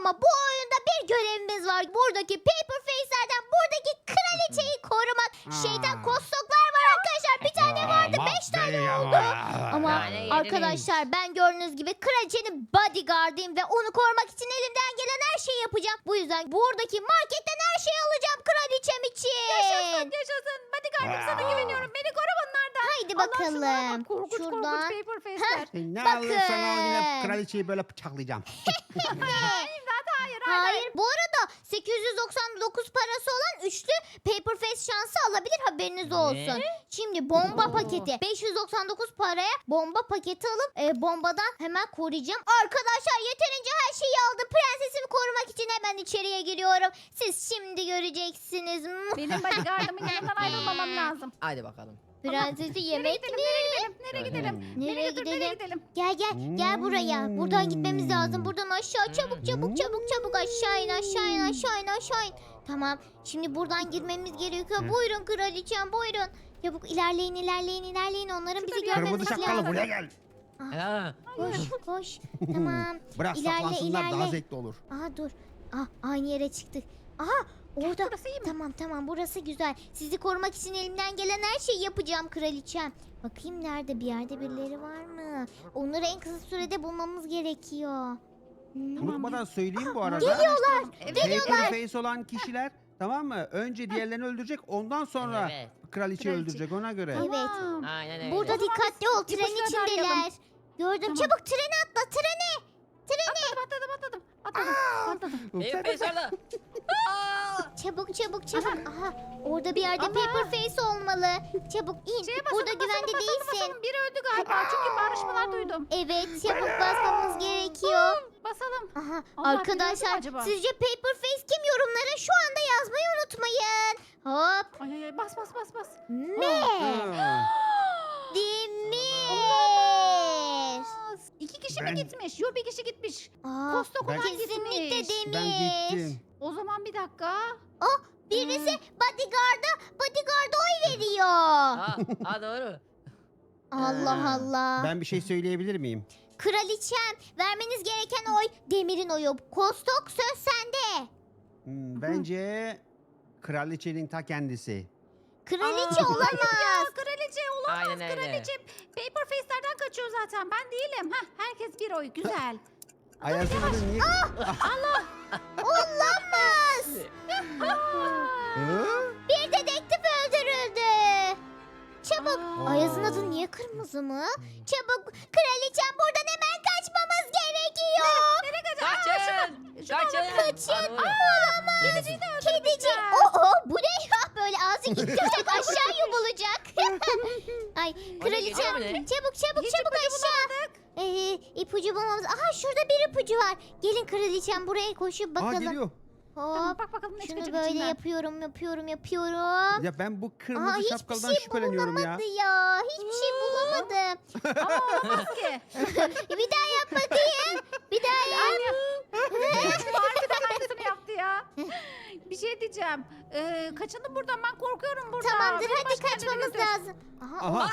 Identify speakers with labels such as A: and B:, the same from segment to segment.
A: Ama bu oyunda bir görevimiz var. Buradaki Paper Face'lerden buradaki kraliçeyi korumak. Şeytan kostoklar var arkadaşlar. Bir tane vardı, 5 tane oldu. Ama
B: Yani
A: arkadaşlar ben gördüğünüz gibi kraliçenin bodyguardıyım ve onu korumak için elimden gelen her şeyi yapacağım. Bu yüzden buradaki marketten her şeyi alacağım kraliçem için.
C: Yaşasın. Bodyguardım sana güveniyorum. Beni koru bunlardan.
A: Haydi
C: Allah şunlara
A: bakalım.
C: bak, korkunç
A: Şuradan.
C: korkunç paper face'ler.
D: Ne
A: Bakın.
D: alırsan al yine kraliçeyi böyle bıçaklayacağım.
A: Hayır. Bu arada 899 parası olan üçlü Paper Face şansı alabilir, haberiniz olsun. Şimdi bomba
C: Oo.
A: paketi. 599 paraya bomba paketi alıp bombadan hemen koruyacağım. Arkadaşlar yeterince her şeyi aldım. Prensesimi korumak için hemen içeriye giriyorum. Siz şimdi göreceksiniz.
C: Benim bodyguardımın yanından ayrılmamam lazım.
B: Hadi bakalım.
A: Prensesi yemek mi?
C: Nereye gidelim?
A: Nereye
C: Nereye
A: gidelim?
C: gidelim?
A: Gel buraya. Buradan gitmemiz lazım. Buradan aşağı çabuk aşağı in. Tamam. Şimdi buradan girmemiz gerekiyor. Buyurun kraliçem, buyurun. Çabuk ilerleyin. Onların bizi
C: Şurada bir
A: görmemesi
D: Kırmızı şapkalı
A: lazım.
D: buraya gel.
B: Ha.
A: Koş. Tamam.
D: Bırak
A: İlerle,
D: saklansınlar daha
A: ilerle.
D: zevkli olur.
A: Aha dur. Aynı yere çıktık. Aha orada.
C: Burası iyi mi?
A: Tamam burası güzel. Sizi korumak için elimden gelen her şeyi yapacağım kraliçem. Bakayım nerede, bir yerde birileri var mı? Onları en kısa sürede bulmamız gerekiyor.
D: Unutmadan söyleyeyim bu arada.
A: Geliyorlar.
D: Paper face olan kişiler, tamam mı? Önce diğerlerini öldürecek, ondan sonra
B: Evet.
D: kraliçeyi öldürecek, ona göre.
A: Evet.
C: Tamam.
B: Aynen öyle.
A: Burada
C: O zaman
A: dikkatli ol,
C: biz
A: tren
C: ipuçları
A: içindeler.
C: arayalım.
A: Gördüm.
C: Tamam.
A: Çabuk trene atla, trene.
C: Atladım.
B: Benim face orada.
A: Çabuk. Aha orada bir yerde Paper Face olmalı. Çabuk in. Burada güvende değilsin.
C: Biri öldü galiba çünkü bağırışmalar duydum.
A: Evet, çabuk basmamız gerekiyor.
C: Basalım.
A: Aha
C: Allah,
A: arkadaşlar
C: biliyor mu acaba?
A: sizce Paper Face kim, yorumlara şu anda yazmayı unutmayın. Hop.
C: Ay bas.
A: Me.
D: Ha.
A: Demir.
C: İki kişi mi
D: Ben-
C: gitmiş? Yok, bir kişi gitmiş.
A: Aa,
C: Kostok olan
A: kesinlikle
C: gitmiş.
A: Demir.
D: Ben gittim.
C: O zaman bir dakika.
A: Birisi bodyguard'a oy veriyor.
B: Ha doğru.
A: Allah Allah.
D: Ben bir şey söyleyebilir miyim?
A: Kraliçem, vermeniz gereken oy Demir'in oyu. Kostok, söz sende.
D: Bence kraliçenin ta kendisi.
A: Kraliçe
C: Ya
A: olamaz.
C: kraliçe olamaz.
B: Aynen öyle.
C: Kraliçe paper face'lerden kaçıyor zaten. Ben değilim. Herkes bir oy. Güzel.
D: Ayaz'ın adı niye?
A: Olamaz.
D: Hı?
A: Bir dedektif öldürüldü. Çabuk.
C: Aa.
A: Ayaz'ın adı niye kırmızı mı? Çabuk. Kraliçem, buradan hemen kaçmamız gerekiyor.
B: Kaçın.
A: Kaçın.
B: Ha, doğru.
A: Olamaz. Kedici. Bu ne ya? Böyle ağzı gittirecek, aşağı yumulacak. Ay kraliçem,
B: geliyor mu ne?
A: çabuk
C: Hiç
A: aşağı.
C: ipucu
A: İpucu bulmamız. Aha şurada bir ipucu var. Gelin kraliçem, buraya koşup
D: Aa,
A: bakalım.
D: geliyor.
C: Tamam,
A: Hop.
C: bak bakalım ne
A: Şunu
C: çıkacak
A: böyle
C: içinden.
A: yapıyorum.
D: Ya ben bu kırmızı
A: Hiçbir
D: şapkalıdan
A: şey
D: şüpheleniyorum ya.
A: bulunamadı ya. Hiçbir şey bulamadım.
C: Ama olamaz ki.
A: Bir daha yap bakayım. Bir daha yap.
C: Harbiden aynısını yaptı ya. Bir şey diyeceğim. Kaçalım buradan, ben korkuyorum buradan.
A: Tamamdır,
C: Beni
A: hadi
C: başka yerlere
A: kaçmamız
C: götür.
A: lazım.
D: Aha.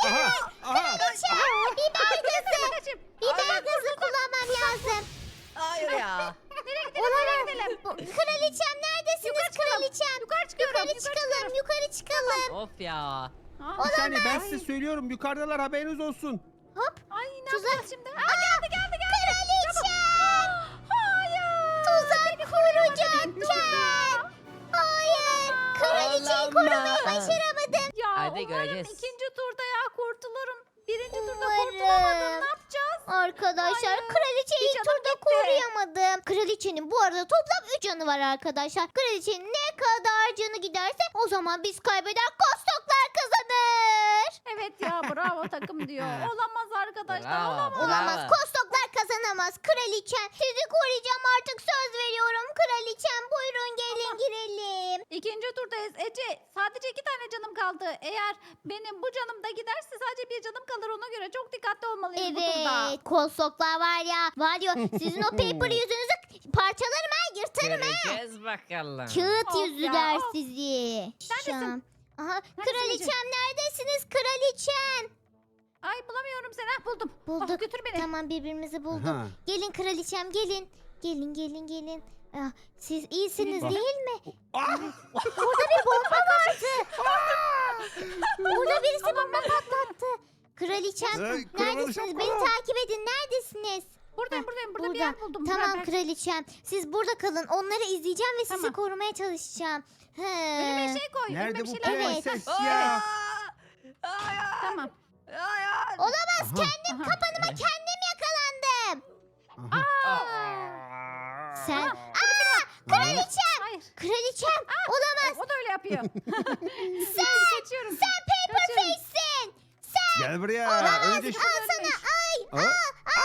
D: Aha.
A: Biber gazı.
C: Kaçayım.
A: Biber gazı kullanmam lazım.
B: Hayır ya.
C: Nereye gidelim?
A: Kraliçem, neredesiniz kraliçem?
C: Yukarı çıkıyorum.
A: Yukarı çıkalım.
B: Of ya.
D: Bir saniye, ben size söylüyorum, yukarıdalar, haberiniz olsun.
A: Hop.
C: Ay ne
A: Tuzak.
C: yapacağız şimdi? Geldi.
A: Kraliçem.
C: Hayır.
A: Tuzak kuracakken. Hayır. Kraliçeyi
B: Olamaz.
A: korumayı başaramadım.
C: Ya
B: Hadi
C: umarım
B: göreceğiz.
C: ikinci turda ya kurtulurum. Birinci turda
A: Umarım.
C: kurtulamadım. Ne yapacağız?
A: Arkadaşlar
C: Hayır.
A: kraliçeyi
C: Bir
A: ilk
C: canım
A: turda
C: gitti.
A: koruyamadım. Kraliçenin bu arada toplam 3 canı var arkadaşlar. Kraliçenin ne kadar canı giderse o zaman biz kaybeder, kostoklar kazanır.
C: Evet ya, bravo takım diyor. Olamaz arkadaşlar,
B: Bravo.
C: olamaz.
A: Olamaz,
B: Bravo.
A: kostoklar kazanamaz. Kraliçem, sizi koruyacağım, artık söz veriyorum. Kraliçem, buyurun gelin girelim.
C: İkinci turdayız. Ece, sadece 2 tane canım kaldı. Eğer benim bu canım da giderse sadece bir canım kalır, ona göre çok dikkatli olmalıyız bu turda.
A: Evet, kostoklar var ya sizin o paper yüzünüzü parçalarım ha, yırtarım ha.
B: Göreceğiz bakalım.
A: Kağıt
C: Of
A: yüzüler
C: ya, of.
A: sizi.
C: Neredesin?
A: Aha,
C: Ece?
A: kraliçem neredesiniz kraliçem?
C: Ay bulamıyorum seni. Buldum.
A: Bulduk.
C: Götür beni.
A: Tamam, birbirimizi bulduk.
D: Aha.
A: Gelin kraliçem, gelin. Gelin gelin gelin. Ah, siz iyisiniz
C: Gelin.
A: değil mi?
D: Ah!
A: Burada bir bomba vardı. Burada birisi bomba patlattı. Kraliçem
D: Ay,
A: neredesiniz?
D: kraliçem,
A: Beni
D: kral.
A: takip edin. Neredesiniz?
C: Buradayım buradayım. Burada bir
A: Burada.
C: yer buldum.
A: Tamam
C: Beraber.
A: kraliçem. Siz burada kalın. Onları izleyeceğim ve sizi
C: Tamam.
A: korumaya çalışacağım.
C: Önüme
A: He.
C: şey koy.
D: Nerede
C: Önüme bir
D: bu
C: şeyler koy.
A: Evet.
D: prenses
B: Aa!
D: ya?
B: Hayır.
C: Tamam.
B: Hayır.
A: Olamaz.
D: Aha.
A: Kendim
C: Aha.
A: kapanıma kendim yakalandım.
D: Aha.
B: Aa.
A: Sen.
C: Aha.
A: Kraliçem.
C: Hayır.
A: Kraliçem. Olamaz.
C: O da öyle yapıyor.
A: Sen.
C: Kaçıyorum.
A: Sen paper
C: Kaçıyorum.
A: face'sin.
D: Gel buraya. Önce şu...
A: Al sana. Ay.
D: Aa!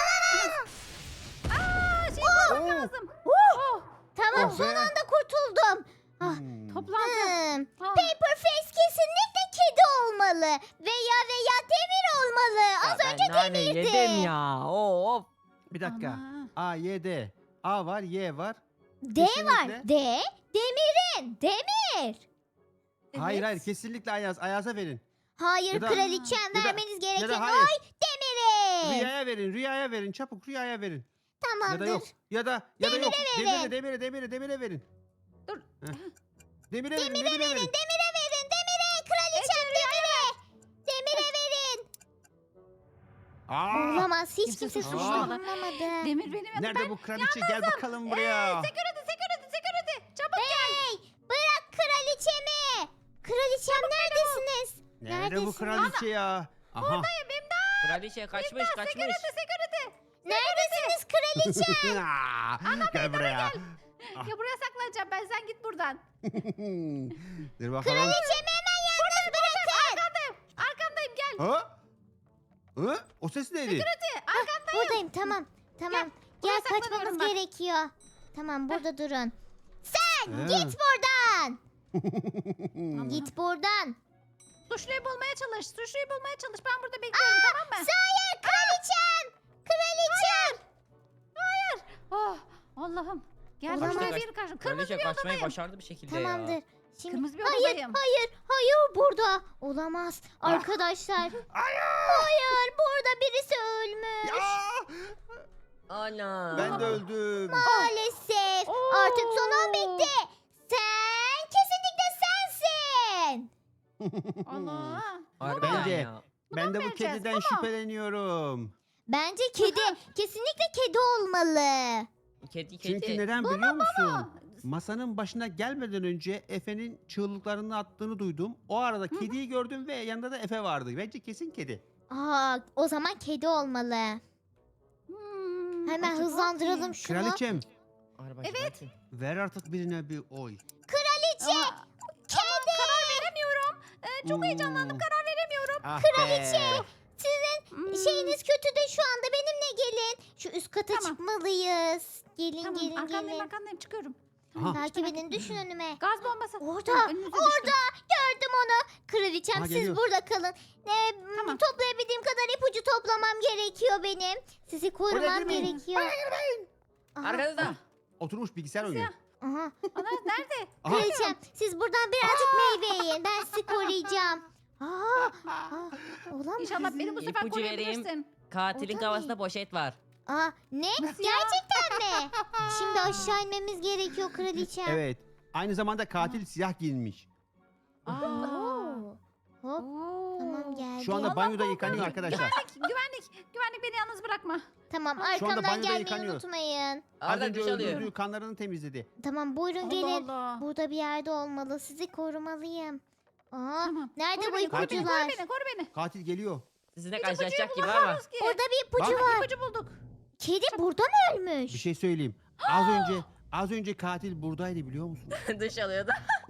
C: Şey koymam
D: Oo.
C: lazım. Oh.
A: Tamam
D: Oh
A: son
D: be.
A: anda kurtuldum. Ah,
D: Hmm.
C: Toplandı.
A: Hmm.
C: Ah.
A: Paper face kesinlikle kedi olmalı. Veya demir olmalı. Az
B: Ya
A: önce
B: ben nane
A: demirdi.
B: yedim ya. Of.
D: Bir dakika.
C: Ama.
D: A, Y, D. A var, Y var.
A: D var.
D: Kesinlikle.
A: D. Demirin. Demir.
D: Hayır
C: Evet.
D: hayır kesinlikle Ayaz. Ayaz'a verin.
A: Hayır
D: Ya da-
A: kraliçem
D: ya da-
A: vermeniz gereken
D: Ya da hayır.
A: oy demiri.
D: Rüyaya verin. Rüyaya verin. Çabuk Rüyaya verin. Ya
A: Tamamdır.
D: da yok. Ya da yok.
A: verin.
D: Demire verin.
C: Dur.
D: Heh. Demire verin.
A: Demire verin. Demire verin. Demire. Kraliçem demire. Demire verin.
D: Aa!
A: Olamaz. Hiç
C: Kimse
A: kimse
C: suçlamadı.
A: suçlanmadı.
C: Demir benim yanımda.
D: Nerede bu kraliçe? Gel bakalım buraya.
C: Security. Çabuk.
A: Hey. Bırak kraliçemi. Kraliçem neredesiniz?
D: Nerede bu
A: Neredesiniz?
D: kraliçe ya? Aha.
B: Kraliçe kaçmış kaçmış.
C: Security.
A: Neredesiniz kraliçem?
D: Aa, gel buraya. Ah.
C: Ya buraya saklanacağım ben. Sen git buradan.
D: Dur bakalım.
A: Kraliçemi hemen yalnız bırakın.
C: Arkandayım gel.
D: Ha? Ha? O ses neydi?
A: Buradayım tamam. Tamam.
C: buraya
A: Gel kaçmamız
C: saklanıyorum ben.
A: gerekiyor. Tamam burada durun. Sen
D: Ha.
A: git buradan. Git buradan.
C: Suçluyu bulmaya çalış. Suçluyu bulmaya çalış. Ben burada bekliyorum tamam mı?
A: Hayır kraliçem. Kraliçem.
C: Oh, Allah'ım. Gel
A: Olamaz.
C: şuraya bir karşı. Kırmızı
B: Kraliçe
C: bir
B: kaçmayı
C: odadayım.
B: başardı bir şekilde ya.
A: Tamamdır. Şimdi
C: Kırmızı bir
A: hayır,
C: odadayım.
A: hayır burada. Olamaz. Arkadaşlar. Hayır burada birisi ölmüş.
D: Ya!
B: Ana.
D: Ben de öldüm.
A: Maalesef.
C: Oo.
A: Artık son an bitti. Sen kesinlikle sensin.
C: Allah.
B: Harbiden
D: Bence-
B: ya.
D: Ben de bu
C: vereceğiz,
D: kediden
C: bunu.
A: Bence
D: şüpheleniyorum.
A: kedi. Kesinlikle kedi olmalı.
B: Kedi.
D: Çünkü neden biliyor musun? Masanın başına gelmeden önce Efe'nin çığlıklarını attığını duydum. O arada kediyi gördüm ve yanında da Efe vardı. Bence kesin kedi.
A: Aa, o zaman kedi olmalı. Hemen
C: acaba
A: hızlandıralım
C: kim?
A: şunu.
D: Kraliçem
B: Evet.
D: ver artık birine bir oy.
A: Kraliçe.
C: Kedi. Karar veremiyorum. Çok heyecanlandım.
D: Karar
C: veremiyorum.
D: Ah
A: Kraliçe.
D: be.
A: Sizin şeyiniz kötü de şu anda benimle gelin. Şu üst kata
C: Tamam.
A: çıkmalıyız. Gelin
C: Tamam
A: gelin
C: arkandayım
A: gelin.
C: arkandayım çıkıyorum.
D: Aha.
A: Takip edin düşün önüme.
C: Gaz bombası.
A: Orada,
C: Önünüze düştüm.
A: orada. Gördüm onu. Kraliçem
D: Aha,
A: siz
D: geliyor.
A: burada kalın.
C: Tamam.
A: Toplayabildiğim kadar ipucu toplamam gerekiyor benim. Sizi korumam
D: girmeyin.
A: gerekiyor. Aha,
B: Arkanızda.
D: Oturmuş bilgisayar oynuyor.
A: aha.
C: Ana nerede?
D: Aha.
A: Kraliçem siz buradan birazcık meyve yiyin. Ben sizi koruyacağım. Olamaz.
C: İnşallah beni bu sefer
B: İpucu vereyim.
C: koruyabilirsin.
B: Katilin
A: Orada
B: kafasında poşet var.
A: Ne?
C: Nasıl ya?
A: Gerçekten mi? Şimdi aşağı inmemiz gerekiyor kraliçem.
D: Evet. Aynı zamanda katil siyah giyinmiş.
C: Aa.
A: Oo. Hop.
C: Oo.
A: Tamam geldi.
D: Şu anda banyoda yıkanıyor arkadaşlar.
C: Güvenlik beni yalnız bırakma.
A: Tamam
D: Şu anda
A: arkamdan
D: banyoda
A: gelmeyi
D: yıkanıyor.
A: unutmayın.
D: Az
B: Arda
D: önce
B: duş alıyor.
D: öldürdüğü kanlarını temizledi.
A: Tamam buyurun
C: Allah
A: gelin.
C: Allah.
A: Burada bir yerde olmalı. Sizi korumalıyım.
C: Tamam.
A: Nerede
C: Koru
A: bu
C: beni, koru beni,
A: ipucular?
C: koru beni.
D: Katil geliyor.
B: Sizinle
C: İpucuyu
B: karşılaşacak gibi ama.
C: bulamıyoruz ki.
A: Orada bir ipucu
C: Bak,
A: var.
C: ipucu bulduk.
A: Kedi burada mı ölmüş?
D: Bir şey söyleyeyim. Az önce katil buradaydı biliyor musun?
B: Duş alıyordu.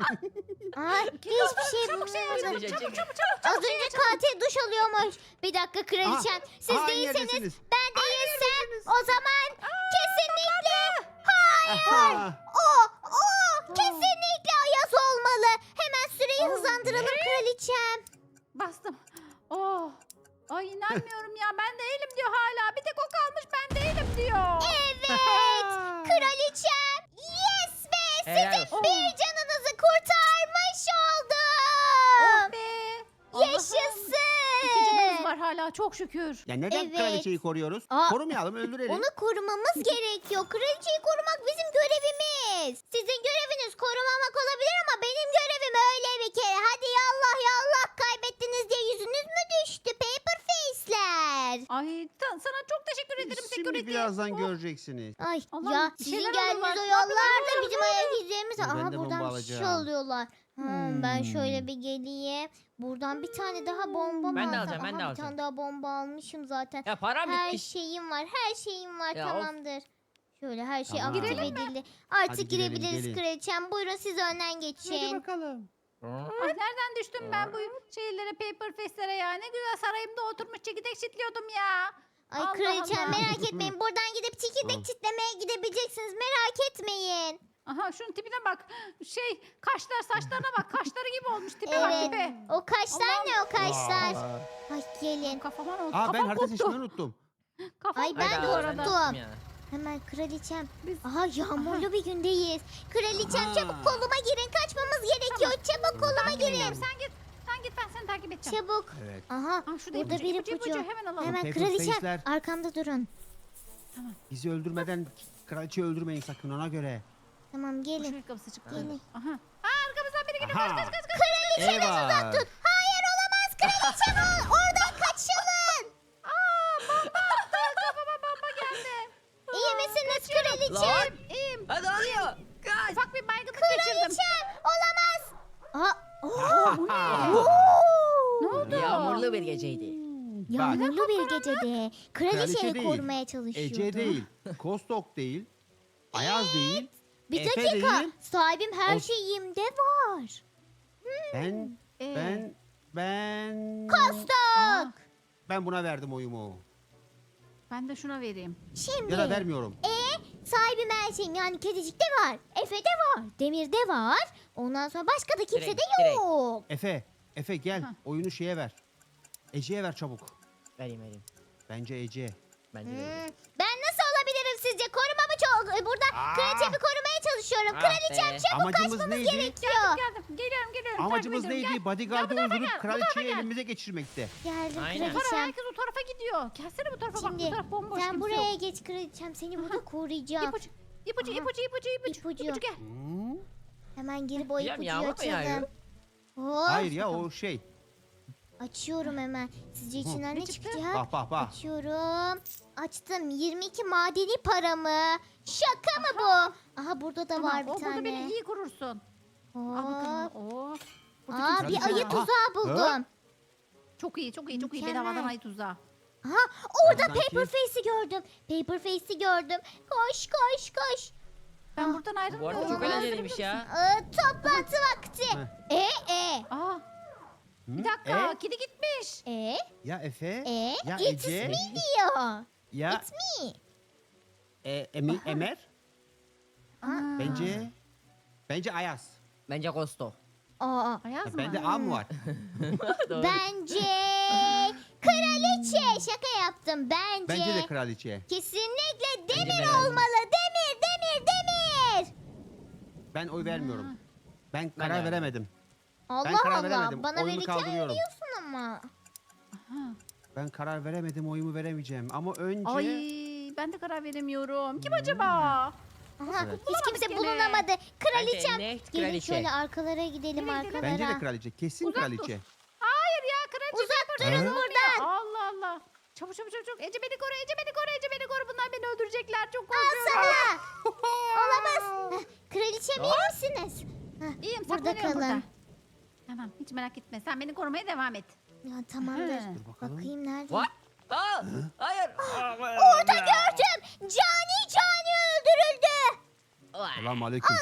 A: Hiçbir şey
C: Çabuk şey
A: bulamadım.
C: açalım. Çabuk.
A: Az önce katil duş alıyormuş. Bir dakika kraliçem. Siz
D: Aa,
A: değilseniz
D: neredesiniz?
A: ben değilsem o zaman kesinlikle
D: Aha.
A: kesinlikle Ayaz olmalı. Hemen süreyi hızlandıralım kraliçem.
C: Bastım. Oh. Ay inanmıyorum ya. Ben değilim diyor hala. Bir tek o kalmış ben değilim diyor.
A: Evet. Kraliçem. Yes be.
B: Helal
A: Sizin
B: olsun.
A: bir canınızı kurtarmış
C: Oh
A: oldum.
C: be. Allah'ım.
A: Yaşasın.
C: İki canımız var hala. Çok Çok şükür.
D: Ya neden
A: Evet.
D: kraliçeyi koruyoruz?
A: Aa,
D: Korumayalım, öldürelim.
A: Onu korumamız gerekiyor. Kraliçeyi korumak bizim görevimiz. Sizin göreviniz korumamak olabilir ama benim görevim öyle bir kere. Hadi yallah yallah, kaybettiniz diye yüzünüz mü düştü? Paper face'ler.
C: Ay sana çok teşekkür ederim
D: Şimdi
C: security.
D: birazdan
C: Oh.
D: göreceksiniz.
A: Ay
C: Allah'ım,
A: ya
C: bir
A: sizin
C: şeyler
A: geldiğiniz
C: alıyorlar.
A: o
C: Ne yapıyorlar?
A: yollarda bizim ayak izlerimiz.
D: Ben
A: Aha
D: de
A: buradan
D: bomba
A: bir şey
D: alacağım.
A: alıyorlar. Ben şöyle bir geleyim. Buradan bir tane daha bomba mı
B: Ben de
A: alsam?
B: alacağım, ben de
A: Aha, bir
B: alacağım.
A: tane daha bomba almışım zaten.
B: Ya param
A: Her
B: bitmiş.
A: şeyim var. Her şeyim var.
B: Ya of.
A: Tamamdır. Şöyle her şey
D: Tamam.
A: aktif
C: Girelim
A: edildi. Artık
D: Hadi girelim,
A: girebiliriz
D: gelin.
A: kraliçem. Buyurun siz önden
D: Hadi
A: geçin.
D: bakalım.
C: Ay nereden düştüm ben bu şeylere paper face'lere ya. Ne güzel sarayımda oturmuş çekirdek çitliyordum ya.
A: Ay
C: Allah
A: kraliçem
C: Allah.
A: merak etmeyin. Buradan gidip çekirdek
D: Tamam.
A: çitlemeye gidebileceksiniz. Merak etmeyin.
C: Aha şunun tipine bak. Kaşlar saçlarına bak. Kaşları gibi olmuş tipe bak
A: Evet.
C: tipe.
A: O kaşlar ne o kaşlar?
D: Aa.
A: Ay gelin.
C: Kafama ne oldu?
D: Aa, ben
C: Kafam
D: harita
C: koptu.
D: seçmeyi unuttum.
C: Kafam
A: Ay, ben
C: koptu
A: de
C: bu
A: unuttum.
C: arada.
A: Hemen kraliçem.
C: Biz-
A: Aha yağmurlu bir gündeyiz. Kraliçem
D: Aha.
A: çabuk koluma girin. Kaçmamız gerekiyor. Çabuk koluma
C: Ben
A: girin.
C: gidiyorum. Sen git. Sen git ben seni takip edeceğim.
A: Çabuk.
D: Evet.
A: Aha
C: Aa, şurada
A: burada bir ipucu.
C: hemen alalım.
A: Hemen
D: Paper
A: kraliçem
D: face'ler.
A: arkamda durun.
D: Bizi öldürmeden kraliçeyi öldürmeyin sakın, ona göre.
A: Tamam gelin.
C: Şuraya kapısı çıktı.
A: Gelin.
C: Aha. Aa, arkamızdan biri geliyor.
D: Aha.
C: Kaç kaç kaç.
A: Kraliçeniz
D: Eyvah.
A: uzak tut. Hayır olamaz kraliçem oradan kaçılın.
C: Kafama bomba geldi.
A: İyi misiniz kraliçem?
B: Lan.
C: İyiyim.
B: Hadi alıyor. Kaç.
C: Ufak bir baygınlık geçirdim.
A: Kraliçem olamaz. Aa,
C: Ne oldu?
B: Yağmurlu bir geceydi.
A: yağmurlu bir gecede
D: Kraliçe
A: kraliçeyi
D: değil,
A: korumaya çalışıyordu.
D: Ece değil, Kostok değil, Ayaz değil,
A: Bir
D: Efe
A: dakika.
D: değil.
A: Sahibim her
D: O-
A: şeyimde var.
D: ben, ben...
A: Kostok.
D: Ben buna verdim oyumu.
C: Ben de şuna vereyim.
A: Şimdi.
D: Ya da vermiyorum.
A: Sahibim her şeyim yani kedicikte var. Efe'de var. Demir'de var. Ondan sonra başka da kimsede
B: Direkt.
A: yok.
D: Efe gel,
C: Hah.
D: oyunu şeye ver. Ece'ye ver çabuk.
B: Vereyim.
D: Bence Ece.
B: Bence de.
A: Ben nasıl olabilirim sizce? Korumamı çok... Burada kraliçemi korumaya çalışıyorum.
B: Ah
A: Kraliçem
B: be.
A: çabuk
D: Amacımız
A: kaçmamız
D: neydi?
A: gerekiyor.
C: Geldim. Geliyorum.
D: Amacımız
C: takip ediyorum.
D: neydi? Bodyguard'ı
C: Gel bu tarafa
D: öldürüp
C: gel, bu tarafa
D: kraliçeyi
C: gel.
D: elimize geçirmekte.
A: Geldim
B: Aynen.
C: Gel. Bu tarafa
A: kraliçem.
C: herkes o tarafa gidiyor. Gelsene bu tarafa bak. Bu
A: Şimdi
C: taraf bomboş.
A: sen
C: kimse
A: buraya
C: yok.
A: geç kraliçem. Seni burada koruyacağım.
C: İpucu. İpucu,
A: Aha.
C: ipucu, ipucu, ipucu.
A: İpucu.
C: İpucu gel.
D: Hmm?
A: Hemen girip o
B: Ya,
A: ipucuyu
B: yağmur mu yağıyor?
A: açalım. Hop.
D: Hayır ya, o şey.
A: Açıyorum hemen. Sizce içinden
C: Ne
A: ne
C: çıktı?
A: çıkacak?
D: Bak.
A: Açıyorum. Açtım. 22 madeni paramı. Şaka mı bu? Aha burada da
C: Tamam,
A: var bir
C: o burada
A: tane.
C: beni iyi korursun. Al bakalım.
A: Hop.
C: Oo. Burada
A: Aa
C: kimse
A: bir
C: yok.
A: ayı
D: Aha.
A: tuzağı buldum.
C: Çok iyi.
A: Mükemmel.
C: Bedavadan ayı tuzağı.
A: Aha orada
D: Sanki-
A: Paper Face'i gördüm. Paper Face'i gördüm. Koş.
C: Ben
A: Ah.
C: buradan
B: Bu
C: ayrılmıyorum.
B: arada çok
A: Olamaz.
B: eğlenceliymiş ya.
A: Toplantı vakti.
C: Aa,
D: Hı?
C: bir dakika. Kedi gitmiş.
D: Ya Efe, ya
A: It's
D: Ece,
A: me diyor.
D: ya
A: It's me.
D: Emer.
C: Aa.
D: Bence Ayaz.
B: Bence Kosto.
A: Aa,
C: Ayaz mı?
D: Bende A mı var?
B: Doğru.
A: bence kraliçe. Şaka yaptım.
D: Bence de kraliçe.
A: Kesinlikle
B: Bence
A: Demir
B: de.
A: olmalı. Demir.
D: Ben oy vermiyorum. Ben karar
B: vermem.
D: veremedim.
A: Allah
D: karar
A: Allah.
D: veremedim.
A: Bana
D: Oyumu
A: verirken
D: kaldırıyorum.
A: veriyorsun ama.
C: Aha.
D: Ben karar veremedim, oyumu veremeyeceğim. Ama önce...
C: Ay, ben de karar veremiyorum. Kim acaba?
A: Aha,
D: Evet.
A: hiç kimse
C: gene.
A: bulunamadı. Kraliçem.
B: net
A: Gelin
B: kraliçe.
A: şöyle arkalara gidelim
C: Nereye gidelim?
A: arkalara.
D: Bence de kraliçe. Kesin
C: Uzak dur.
D: kraliçe.
C: Hayır ya kraliçe.
A: Uzak
C: beni
A: durun
C: korkuyor.
A: buradan.
C: Allah Allah. Çabuk. Ece beni koru. Ece beni koru. Bunlar beni öldürecekler. Çok
A: Al
C: korkuyorum.
A: sana. Olamaz. Heh, Kraliçem iyi misiniz? Heh,
C: İyiyim
A: Burada
C: saklanıyorum
A: kalın.
C: burada. Tamam hiç merak etme. Sen beni korumaya devam et.
A: Ya tamamdır.
C: Dur
D: bakalım.
A: Bakayım nerede?
B: What? Aa, hayır.
A: Orada gördüm. Cani öldürüldü.
D: Selam aleyküm.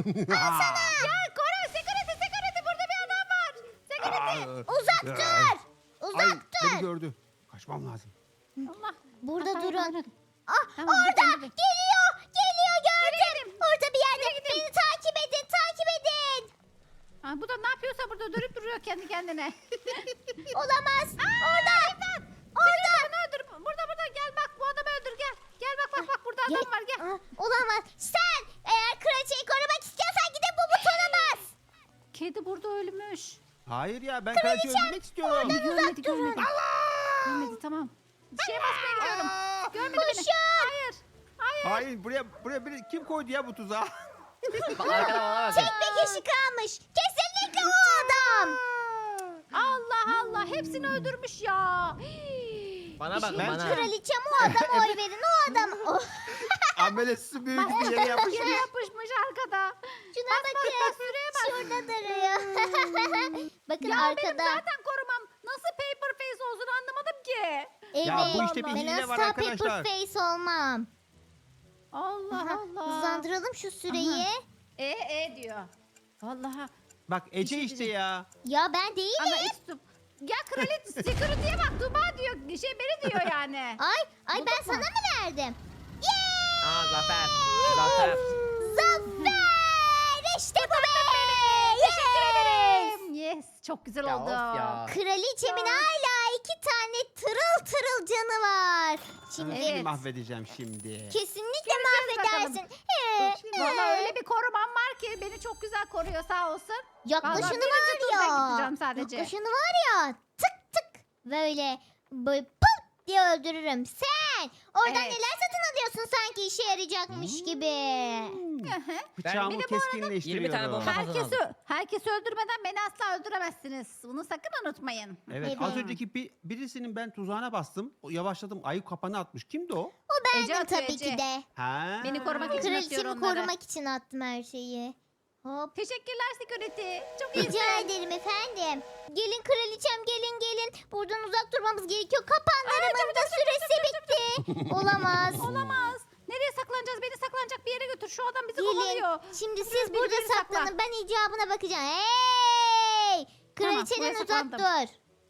C: Ya koru. Security. Burada bir adam var. Security.
A: Uzak dur.
D: Ay,
A: Uzak
D: beni
A: dur.
D: gördü. Kaçmam lazım.
C: Allah.
A: Burada
C: Ay,
A: durun.
C: anladım.
A: Ah
C: Tamam,
A: orada.
C: gidelim.
A: Geliyor gördüm. Orada bir yerde.
C: Nereye gidelim?
A: Beni takip edin.
C: Aa, bu da ne yapıyorsa burada dönüp duruyor kendi kendine.
A: Olamaz. Orada. Orada.
C: Bunu öldür. Burada gel bak bu adamı öldür gel. Gel bak burada
A: Gel.
C: adam var gel.
A: Ah, olamaz. Sen eğer kraliçeyi korumak istiyorsan gidip bu butona bas.
C: Kedi burada ölmüş.
D: Hayır ya, ben kraliçeyi öldürmek istiyorum.
C: Görmedi. Görmedi tamam. Şeye basmaya gidiyorum. Görmedi beni.
A: Koşun.
C: Hayır. Hayır.
D: Hayır buraya kim koydu ya bu tuzağı?
B: Bak arkada bana bakın.
A: Tek bir kişi kalmış. Kesinlikle o adam.
C: Allah Allah. Hepsini öldürmüş ya.
B: Bana bakın
D: Ben-
B: bana.
A: Kraliçem o adama oy verin. O adam. Oh,
D: Amelesi büyük bir yere yapmış.
C: Yere yapışmış arkada.
A: şuna bakın.
C: Süreye bak.
A: Şurada duruyor. Bakın
C: Ya benim
A: arkada.
C: zaten korumam nasıl paper face olsun anlamadım ki.
A: Evet.
D: Ya bu işte bir
A: Ben
D: hile var
A: asla
D: arkadaşlar.
A: paper face olmam.
C: Allah
A: Aha,
C: Allah.
A: hızlandıralım şu süreyi.
C: Diyor. Vallahi.
D: Bak Ece işte ya.
A: Ya ben değilim.
C: Ama Estup. Ya kraliçe security'ye bak Tuba diyor. Beni diyor yani.
A: Ay ben
C: Bulduk
A: sana
C: mu?
A: mı verdim?
B: Aa zafer. Zafer.
A: Zafer! İşte bu be! Yes!
C: Yes. Çok güzel
B: Ya
C: oldu.
B: of ya.
A: Kraliçemin hala 2 tane tırıl tırıl canı var. Şimdi
C: Evet.
D: Seni mahvedeceğim şimdi.
A: kesinlikle
C: bakalım.
A: mahvedersin.
C: Vallahi öyle bir korumam var ki beni çok güzel koruyor sağ olsun.
A: Yaklaşını
C: Vallahi birinci turda
A: var
C: gideceğim
A: ya.
C: sadece.
A: Yaklaşını var ya. Tık tık. Böyle pıt diye öldürürüm. Sen oradan
C: Evet.
A: neler satın alıyorsun sanki işe yarayacakmış gibi.
D: Bıçağımı
B: Bir
C: de bu arada
B: 20
D: keskinleştiriyorum.
B: tane bomba kazanalım.
C: Herkesi öldürmeden beni asla öldüremezsiniz. Bunu sakın unutmayın.
D: Evet,
A: Evet.
D: az önceki birisinin ben tuzağına bastım. Yavaşladım. Ayı kapanı atmış. Kimdi o?
A: O bendim
C: Ece atıyor,
A: tabii
C: Ece.
A: ki de.
D: Ha.
C: Beni korumak için atıyor
A: Kraliçemi
C: onları.
A: korumak için attım her şeyi. Hop.
C: Teşekkürler security. Çok iyi.
A: Rica ederim efendim. Gelin kraliçem gelin. Buradan uzak durmamız gerekiyor. Kapanlarımın da süresi bitti. Olamaz.
C: Olamaz. Nereye saklanacağız? Beni saklanacak bir yere götür. Şu adam bizi
A: Gelin.
C: kovalıyor.
A: Şimdi siz
C: Biri
A: burada
C: biri sakla.
A: saklanın. Ben icabına bakacağım. Hey!
C: Tamam,
A: Kraliçeden
C: buraya
A: uzak
C: saklandım.
A: dur.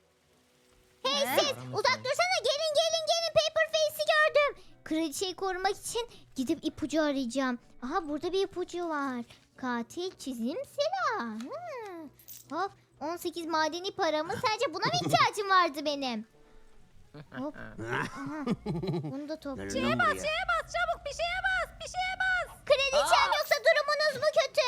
A: Hey
C: He?
A: siz uzak dursana. Gelin. Paper Face'i gördüm. Kraliçeyi korumak için gidip ipucu arayacağım. Aha burada bir ipucu var. Katil çizim silah. Hop 18 madeni paramı. Sence buna mı ihtiyacım vardı benim? Hop. Aha. Bunu da toplayayım.
D: Şeye bas,
C: Şeye bas çabuk bir şeye bas. Bir şeye bas.
A: Kraliçem
B: Aa!
A: yoksa durumunuz mu kötü?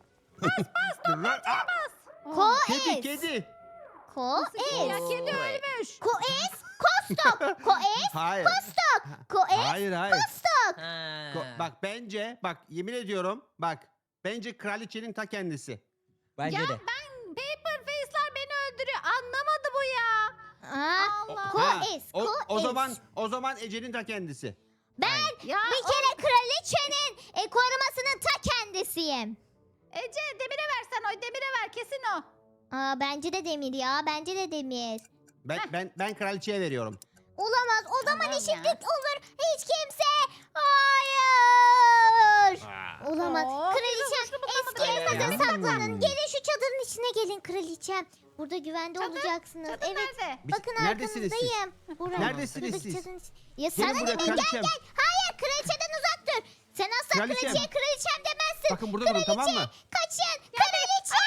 A: Ko
D: Kedi kedi.
A: Ko
C: Ya
A: es.
C: kedi ölmüş.
A: Ko es. Kostok. Ko es.
D: Hayır.
A: Kostok. Ko es.
D: Hayır hayır.
A: Kostok.
B: Ha.
D: Bak yemin ediyorum bence kraliçenin ta kendisi.
B: Bence
C: Ya
B: de.
C: ben paper face'ler beni öldürüyor. Anlamadı bu ya. Allah.
A: Ko
D: Ha,
A: es.
D: o,
A: Ko
D: o
A: es.
D: zaman Ece'nin ta kendisi.
A: Ben
C: Ya
A: bir kere kraliçenin korumasının ta kendisiyim.
C: Ece demire versen oy demire ver kesin o.
A: Bence de demir ya. Bence de demir.
D: Ben kraliçeye veriyorum.
A: Olamaz. O zaman
C: Tamam
A: eşitlik
C: ya.
A: olur. Hiç kimse. Hayır. Olamaz.
C: Oo,
A: Kraliçem
C: güzel, hoşlu
A: eski
B: bulamadım.
A: evinize
D: Hmm.
A: saklanın. Gelin şu çadırın içine gelin kraliçem. Burada güvende
C: Çadır?
A: olacaksınız.
C: Çadır
A: Evet.
C: nerede?
A: Bakın
D: Neredesiniz siz?
A: arkanızdayım. Buraya.
D: Neredesiniz
A: Buradaki
D: siz?
A: çadırın içi- Ya
D: Gelin
A: sana ne
D: buraya
A: be? Gel
D: kraliçem.
A: gel. Hayır kraliçeden uzak dur. Sen asla
D: Kraliçem.
A: kraliçeye kraliçem demezsin.
D: Bakın burada durun tamam mı?
A: Kaçın. Kraliçe.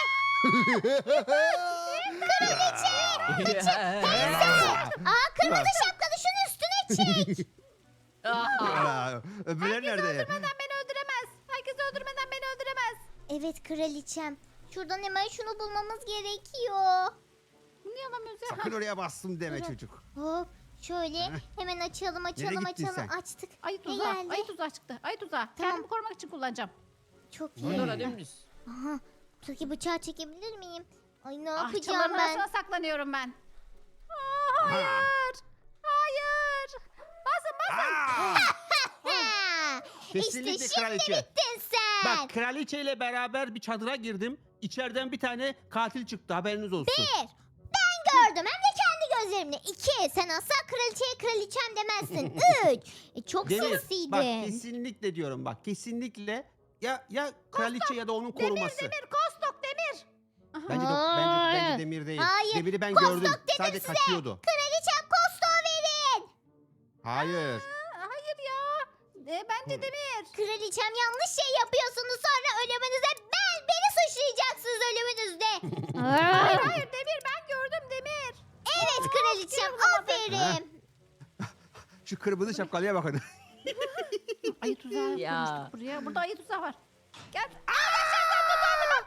A: Aa kırmızı şapkalı şunun üstüne çek.
D: Aa, Öbürler nerede?
C: Öldürmeden beni öldüremez. Herkes öldürmeden beni öldüremez.
A: Evet kraliçem. Şuradan hemen şunu bulmamız gerekiyor.
C: Niye alamıyoruz ya?
D: Sakın oraya bastım deme
A: Durun.
D: çocuk.
A: Hop şöyle hemen açalım
D: gittin sen?
A: açtık.
C: Ayı
A: Ne
C: tuzağı.
A: geldi?
C: Ayı tuzağı çıktı. Ayı tuzağı. Kendimi korumak için kullanacağım.
A: Çok iyi.
B: Burada orada dümdüz.
A: Aha, buradaki bıçağı çekebilir miyim? Ay ne
C: Ah
A: yapacağım
C: çalıların
A: ben?
C: arasına saklanıyorum ben. Aa, hayır. Hayır. Basın.
A: Ha,
D: Kesinlikle
A: işte şimdi
D: kraliçe.
A: bittin sen.
D: Bak kraliçeyle beraber bir çadıra girdim. İçeriden bir tane katil çıktı haberiniz olsun.
A: Bir, ben gördüm hem de kendi gözlerimle. İki, sen asla kraliçeye kraliçem demezsin. Üç, çok
D: Demir
A: sinsiydin.
D: bak kesinlikle diyorum bak kesinlikle ya kraliçe ya da onun koruması.
C: Demir kostok demir. Aha.
D: Bence Demir değil.
A: Hayır,
D: Demir'i ben
A: Kostok
D: gördüm.
A: dedim
D: Sadece
A: size.
D: kaçıyordu.
A: Kraliçem kostoğu verin.
D: Hayır.
C: Hayır ya. Bence demir.
A: Kraliçem yanlış şey yapıyorsunuz sonra ölümünüze beni suçlayacaksınız ölümünüzde.
C: Hayır demir ben gördüm demir.
A: Evet kraliçem aferin.
D: Şu kırmızı şapkalıya bakın.
C: Ayı tuzağı
B: Ya.
C: kurmuştuk buraya. Burada ayı tuzağı var. Gel.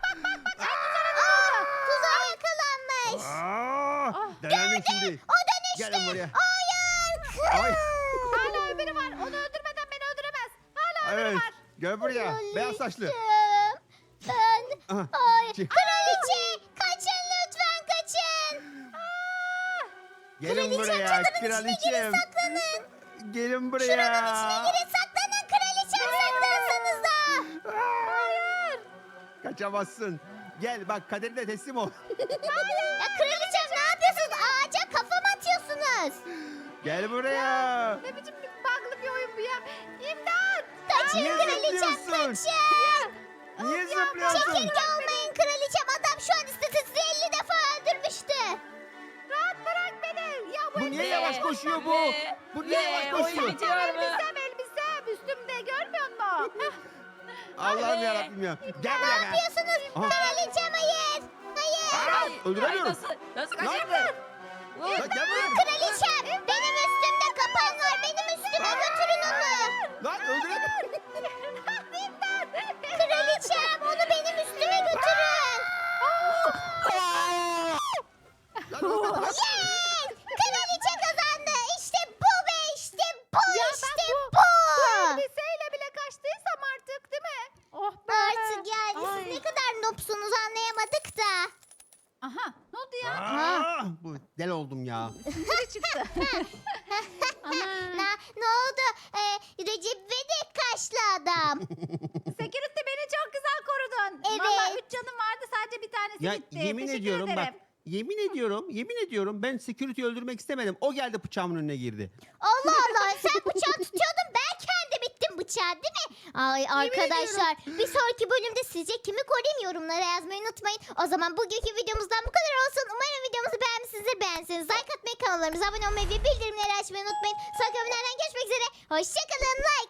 A: Tuzağa yakalanmış.
C: Ah,
D: Denedim şimdi.
A: O dönüştü
D: Gelin buraya.
A: Hayır.
D: Ay.
C: Hala öbürü var. Onu öldürmeden beni öldüremez. Hala öbürü
D: Evet.
C: var.
D: Gel buraya. Beyaz saçlı.
A: Ben...
D: Aha.
A: Hayır.
D: Çık.
A: Kraliçe. Kaçın lütfen kaçın.
D: Gelin
A: Kraliçem,
D: buraya.
A: çadırın içine girin,
D: Kraliçem.
A: saklanın.
D: Gelin buraya.
A: Şuranın içine girin, saklanın. Kraliçem, saklansanıza.
C: Hayır.
D: Kaçamazsın. Gel bak kaderine teslim ol.
A: Ya kraliçem ne yapıyorsunuz? Ağaca kafa mı atıyorsunuz?
D: Gel buraya.
C: Ne biçim bir bug'lı bir oyun bu ya. İmdat.
A: Kaçın
D: Niye
A: kraliçem,
D: zıplıyorsun?
A: kaçın.
D: Niye zıplıyorsun?
A: Çekirge olmayın kraliçem. Adam şu an istese sizi 50 defa öldürmüştü.
C: Rahat bırak beni. Ya
D: Bu niye yavaş koşuyor bu?
B: Ne?
D: Bu niye
B: Ne?
D: yavaş
B: Oyun
D: koşuyor?
B: bitiyor mu?
C: Elbisem üstümde görmüyor musun? Heh.
D: Allah'ım
B: Anne.
D: yarabbim ya. Gel
A: Ne
D: buraya.
A: yapıyorsunuz?
D: Aha.
A: Kraliçem hayır. Hayır.
D: Aa, öldüremiyorum.
B: Nasıl
D: Ne
B: kaçırdın?
D: Lan gel buraya.
A: Kraliçem benim üstümde kapan var. Benim üstüme götürün onu.
D: Lan öldüremiyorum.
A: Kraliçem onu benim üstüme götürün.
D: Lan öldüremiyorum.
A: Yes! Kraliçe kazandı. İşte bu ve işte bu.
C: Ya ben
A: işte
C: bu-
A: bu.
C: Elbiseyle bile kaçtıysam artık değil mi? Oh be.
A: Artık yani
C: Ay.
A: siz ne kadar nopsunuz anlayamadık da.
C: Aha ne oldu ya?
D: Aa, bu del oldum ya.
C: Biri çıktı. Ana.
A: Ne oldu? Recep İvedik kaşlı adam.
C: Security beni çok güzel korudun.
A: Evet.
C: Valla 3 canım vardı sadece bir tanesi
D: Ya
C: gitti.
D: yemin
C: Teşekkür
D: ediyorum bak.
C: ederim.
D: Yemin ediyorum ben security öldürmek istemedim. O geldi bıçağımın önüne girdi.
A: Allah Allah sen bıçağı tutuyordun ben kendim bittim bıçağı değil mi? Ay arkadaşlar bir sonraki bölümde sizce kimi koruyayım yorumlara yazmayı unutmayın. O zaman bugünkü videomuzdan bu kadar olsun. Umarım videomuzu beğenmişsinizdir. Beğenseniz like atmayı, kanallarımıza abone olmayı ve bildirimleri açmayı unutmayın. Sonraki bölümlerden görüşmek üzere. Hoşçakalın. Like